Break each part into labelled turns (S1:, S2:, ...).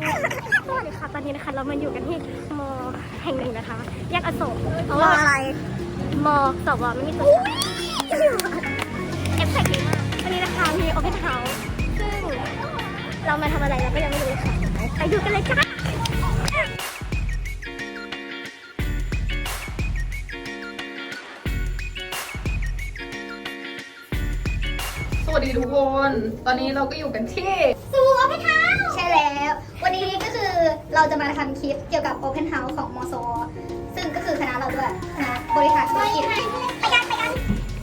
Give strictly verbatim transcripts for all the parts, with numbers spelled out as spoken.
S1: สวัสดีค่ะตอนนี้นะคะเรามาอยู่กันที่มอแห่งหนึ่งนะคะแยกอโศกเพราะ
S2: มอ
S1: ว่า
S2: อะไร
S1: มอสวไม่มีตัวเอฟเฟกต์ดีมากวันนี้นะคะมีโอเพนเฮาส์ซึ่งเรามาทำอะไรเราก็ยังไม่รู้เลยค่ะไปดูกันเลยจ้า
S3: สวัสดีทุกคน ตอนนี้เราก็อยู่กันที่
S2: สูโอเพนเฮาส์ใช่แล้ว วันนี้ก็คือเราจะมาทำคลิปเกี่ยวกับโอเพนเฮาส์ของมสวซึ่งก็คือคณะเราด้วยคณะบริหารธุรกิจไปกันไปกัน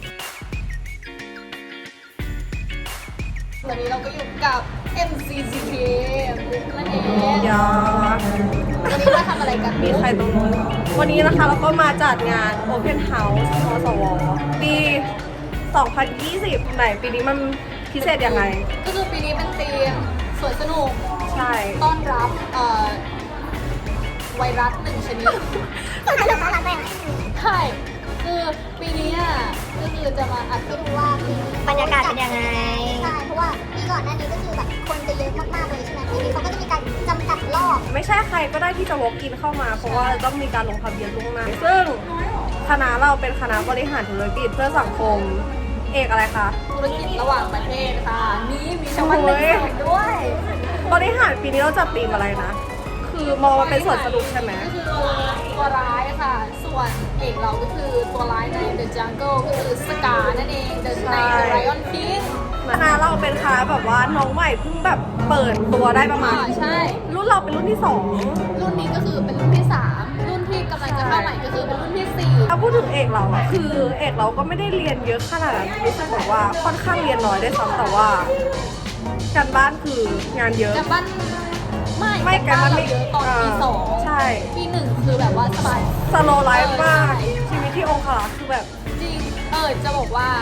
S3: ตอนนี้เราก็อยู่กับ เอ็ม ซี ซี เค นั่นเอง
S4: ยา
S3: วันนี้มาทำอะไรกัน
S4: มีใครตรงนู้นวันนี้นะคะเราก็มาจัดงาน Open House มสว ปี สองพันยี่สิบ ไหนปีนี้มันพิเศษยังไง
S3: ก็คือปีนี้เป็นธีมสวนสนุก
S4: ใช่
S3: ต้อนรับเอ่อไวรัสหนึ่งชนิด
S2: ต้องการเลือกร้านอะไร
S3: ใช่ คือปีนี้อ่ะก็คือจะมาอัด
S2: ไปดูว่าปีนี้
S1: บรรยากาศเป็นยังไง
S2: ใช่เพราะว่าปีก่อนหน้านี้ก็คือแบบคนจะเยอะมากๆเลยใช่ไหมปีนี้เขาก็จะมีการจำกัดรอบ
S4: ไม่ใช่ใครก็ได้ที่จะ walk in เข้ามา เพราะว่าต้องมีการลงทะเบียนล่วงหน้าซึ่งคณะเราเป็นคณะบริหารธุรกิจเพื่อสังคม เอกอะไรคะ
S3: ธุรกิจระหว่างประเทศค่ะ นี่มีชาวบ้านเป็นสองด้วย
S4: บริหารปีนี้เราจัดธีมอะไรนะ คือมองมาเป็นสวนสนุกใช่ไหม
S3: ก็คือตัวตัวร้ายค่ะ ส่วนเอกเราก็คือตัวร้ายใน The Jungle ก็คือสกานั่นเอง The ใน The Lion King
S4: คณะเราเป็นคณะแบบว่าน้องใหม่เพิ่งแบบเปิดตัวได้ประมาณ
S3: อ่าใช่
S4: รุ่นเราเป็นรุ่นที่สอง
S3: รุ่นนี้ก็คือเป็นรุ่นที่สามรุ่นที่กำลังจะเข้าใหม่ก็คือเป็นรุ่นที่สี่
S4: ถ้าพูดถึงเอกเราอะคือเอกเราก็ไม่ได้เรียนเยอะขนาดนั้นรู้สึกแบบว่าค่อนข้างเรียนน้อยได้วยซ้ำแต่ว่าการบ้านคืองานเยอะ
S3: แต่บ้านไม่
S4: ไม่
S3: แต่บ้าน
S4: แต่บ้านไม่
S3: เราเยอะตอนปีสอง
S4: ใช่
S3: ปีหนึ่งคือแบบว่าสบาย
S4: สโลไลฟ์มาก
S3: เออใช่
S4: ชีวิตที่องค์ขลาคือแบบ
S3: จริง เออจะบอกว่า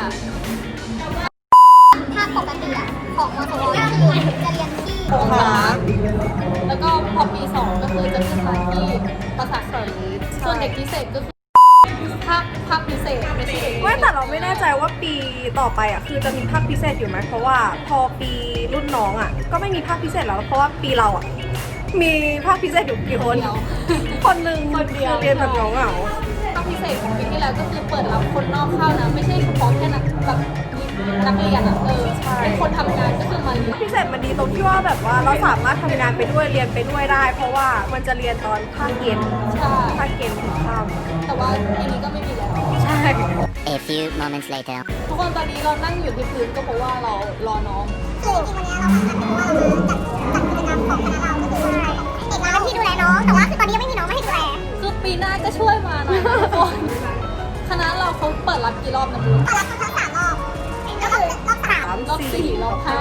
S2: ถ้าปกติอะของมสวก็คือจะเรียนที่
S4: องค์ขลา
S3: แล้วก็พอปีสองก็คือจะขึ้นมาที่ประสาทสริตส่วนเด็กพิเศษก็คือภาคภาคพิเศษไม่ใช่เด็ก
S4: ไม่แต่เราไม่แน่ใจว่าปีต่อไปอะคือจะมีภาคพิเศษอยู่ไหมเพราะว่าพอปีรุ่นน้องอะก็ไม่มีภาคพิเศษแล้วเพราะว่าปีเราอะมีภาคพิเศษอยู่กี่คน
S3: เดียว
S4: คนหนึ่ง
S3: คนเดียว
S4: คือเรียนแบบเหงา
S3: ภาคพิเศษของปีที่แล้วก็คือเปิดรับคนนอกเข้านะ ไม่ใช่เฉพาะแค่นักแบบนักเรียนอ่ะเออเป็นคนทำงานก็คือมาเรียน
S4: ๆพิเศษมันดีตรงที่ว่าแบบว่าเราสามารถทำงานไปด้วยเรียนไปด้วยได้ เพราะว่ามันจะเรียนตอนภาคเย็น
S3: ใช่
S4: ภาคเย็นถึงค่ำ
S3: แต่ว่าปีนี้ก็ไม่มีแล้ว
S4: ใช่
S5: A few moments later.
S3: ทุกคนตอนนี้เรานั่งอยู่ที่พื้นก็เพราะว่าเรารอน้อง
S2: คือจริงๆวันนี้เรามากันเพราะว่าเราจัดจัดกิจกรรมของคณะเราก็คือว่าเอกเราเป็นที่ดูแลน้องแต่ว่าคือตอนนี้ยังไม่มีน้องมาให้ดูแล
S3: คือปีหน้าก็ช่วยมาหน่อยนะทุกคนคณะเราเขาเปิดรับกี่รอบนะบุ๊ค
S2: ตอนรับทั้งสามรอบก็คือรอบสาม
S4: สาม
S3: รอบสี่รอบห้า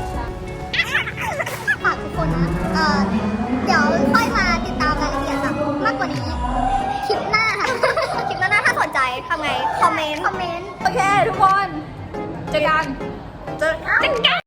S2: ฝากทุกคนนะเออเดี๋ยวค่อยมาติดตามรายละเอียดแบบมากกว่านี้คลิปหน้าค่ะ
S1: คลิปหน้าถ้าสนใจทำไง คอมเมนต์
S2: คอมเมนต์
S3: โอเคทุกคนเจอกัน
S4: เจอกัน